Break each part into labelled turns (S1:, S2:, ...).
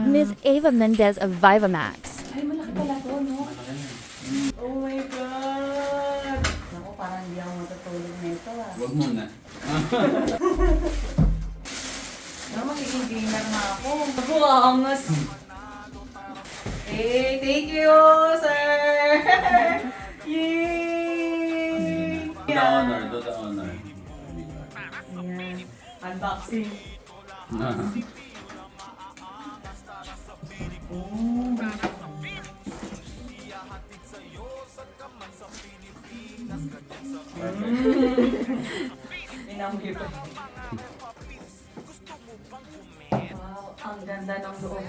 S1: Miss Ava Mendez of Vivamax.
S2: Ay, malaki pala to, no? Oh my God! Naku, parang hindi ako matutulog nito ah.
S3: Huwag muna.
S2: No, magiging gamer na ako. Buwangas! Hey, thank you, sir! Yay!
S3: Do the honor, do the honor.
S2: Ayan. Unboxing. Oh. Inamoy pa. Wow, ang ganda ng loob.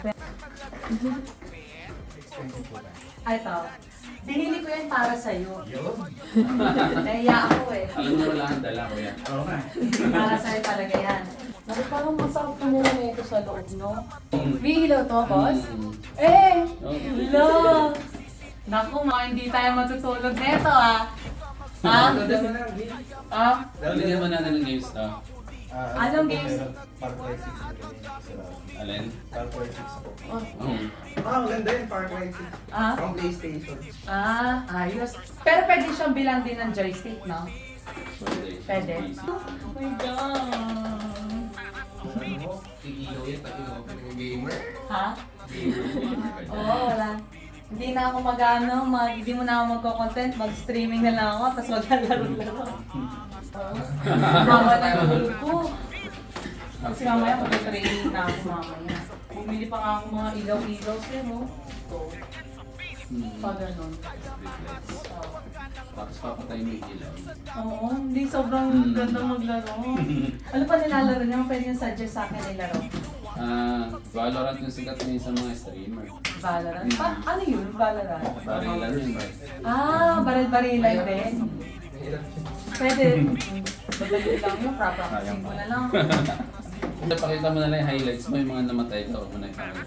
S2: Ay, ito. Binili ko yan para sa'yo. Naiya ako eh.
S3: Alam mo wala ang dala ko yan. Oo nga.
S2: Para sa'yo talaga yan. Naku, parang masarap na muna ito sa loob, no? May ilaw to, boss? Eh! Ilaw! Naku, mga hindi tayo matutulog neto, ah. Ha? Ah?
S3: Bigyan mo natin ng games to.
S2: Anong games?
S4: Far Cry 6 na ganyan.
S3: Alin?
S4: Far Cry 6 po.
S2: Oh.
S4: Ang ganda yun, Far Cry 6.
S2: Ah?
S4: Pang PlayStation.
S2: Ah, ayos. Pero pwede siyang bilang din ng joystick, no? Pwede. Oh my God!
S3: Tigilaw yan, pati mga gamer.
S2: Ha? Oo, wala. Hindi na ako hindi mo na ako magko-content, mag-streaming na lang ako, tapos maglalaro-laro. Hawa na yung ulo ko. Kasi mamaya mag-training na ako mamaya. Bumili pa nga ako mga ilaw-ilaw sir, no? Ito. Pa ganun.
S3: Tapos papatay mo yung ilaw.
S2: Oo, hindi sobrang ganda maglaro. Ano pa nilalaro niyo? Pwede yung suggest sa akin nilaro.
S3: Valorant yung sikat ngayon sa mga streamer.
S2: Valorant? Ano yun? Valorant?
S3: Barilan yun, ba?
S2: Baril-barilan din. Pwede. Madali lang yun, practicing ko na lang.
S3: Pakita mo na lang yung highlights mo, yung mga namatay ka, huwag mo na ipakita.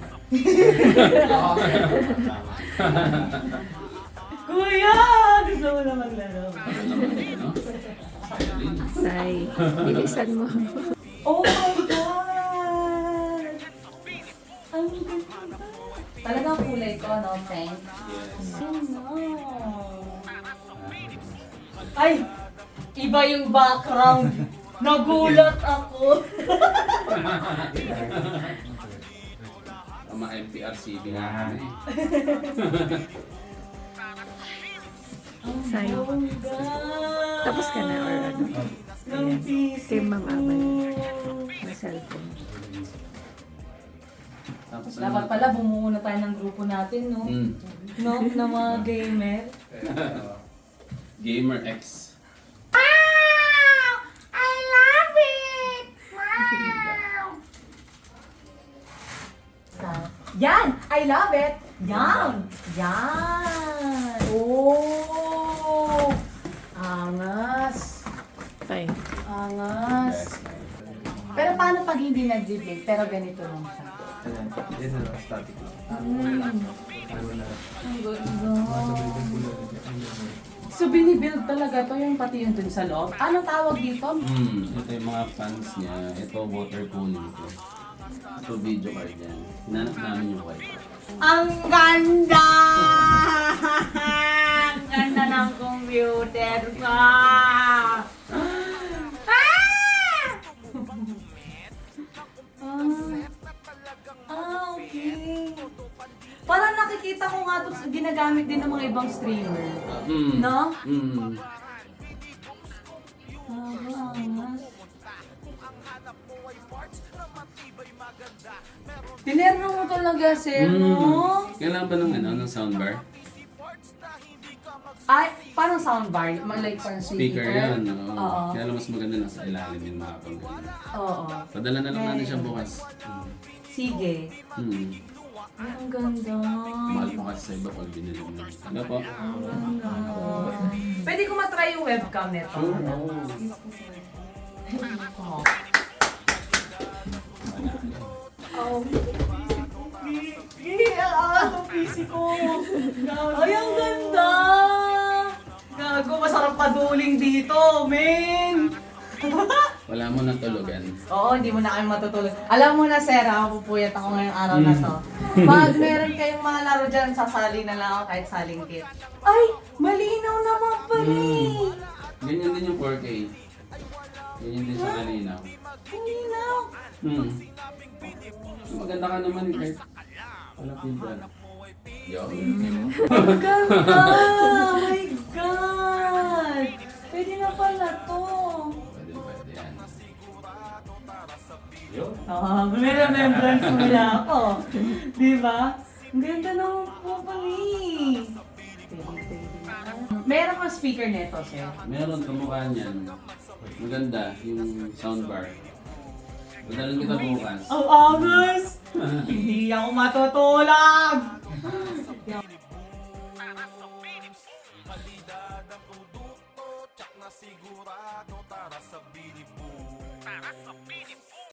S2: Kuya! Gusto mo na maglaro.
S3: Ano naman yun, no? Silent.
S1: Say, bilisan mo.
S2: Oh my God! Ang ganda. Talagang kulay ko, no, Frank?
S3: Yes.
S2: Oh no! Ay! Iba yung background. Nagulat ako.
S3: Ang mga MPRCB nga kami.
S1: Say,
S2: Bongga!
S1: tapos ka na or ano?
S2: Ng PC
S1: Kay Ma'am
S2: ko.
S1: Amal. Na cellphone.
S3: Tapos
S2: Dapat pala bumuo na tayo ng grupo natin, no? No? Na mga gamer.
S3: Gamer X.
S2: I love it! Wow! Yan! I love it! Yan! Yan! Oh! Angas!
S1: Fine.
S2: Angas! Pero paano pag hindi nag-debate? Pero ganito lang siya.
S4: Ayan, yan na lang, static lang. Ano na,
S2: Ang ganda. So binibuild talaga to yung pati yung dun sa loob. Anong tawag dito?
S3: Ito yung mga fans niya. Ito water cooling ko. Ito video card yan. Hinanap namin yung wifi.
S2: Ang ganda! Ang ganda ng computer ko! Ah! Okay. Parang nakikita ko nga ito ginagamit din ng mga ibang streamer. No? Tinerno mo talaga, sir, no?
S3: Kailangan ba ng ng soundbar?
S2: Ay, parang soundbar, like parang
S3: Speaker yan. Oo.
S2: Oo.
S3: Kaya lang mas maganda na sa ilalim yung mga pag-ganyan.
S2: Oo.
S3: Padala na lang natin siya bukas.
S2: Sige. Ay, ang ganda.
S3: Mahal pa kasi sa iba pag binili mo. Ano po?
S2: Ang ganda. Pwede ko matry yung webcam nito.
S3: Sure. Oo.
S2: Oh. Oh. Ang PC ko. Ay, ang ganda. Gago, masarap paduling dito, men.
S3: Wala mo nang tulugan.
S2: Oo, hindi mo na kayo matutulog. Alam mo na, Sarah, ako pupuyat ako ngayong araw na to. Pag meron kayong mga laro dyan, sasali na lang ako kahit salingkit. Ay, malinaw naman pala eh.
S3: Ganyan din yung 4K. Ganyan din sa kanina.
S2: Malinaw.
S3: Maganda ka naman kahit wala filter. Yo.
S2: Maganda! Oh my God! Pwede na pala to.
S3: Pwede yan. Yo.
S2: May remembrance mula ako. Di ba? Ang ganda naman po pala eh. Meron kang speaker neto, sir.
S3: Meron kamukha niyan. Maganda yung soundbar. Padalan kita bukas.
S2: Ang angas! Hindi ako matutulog!
S5: Sigurado tara sa Bilibo.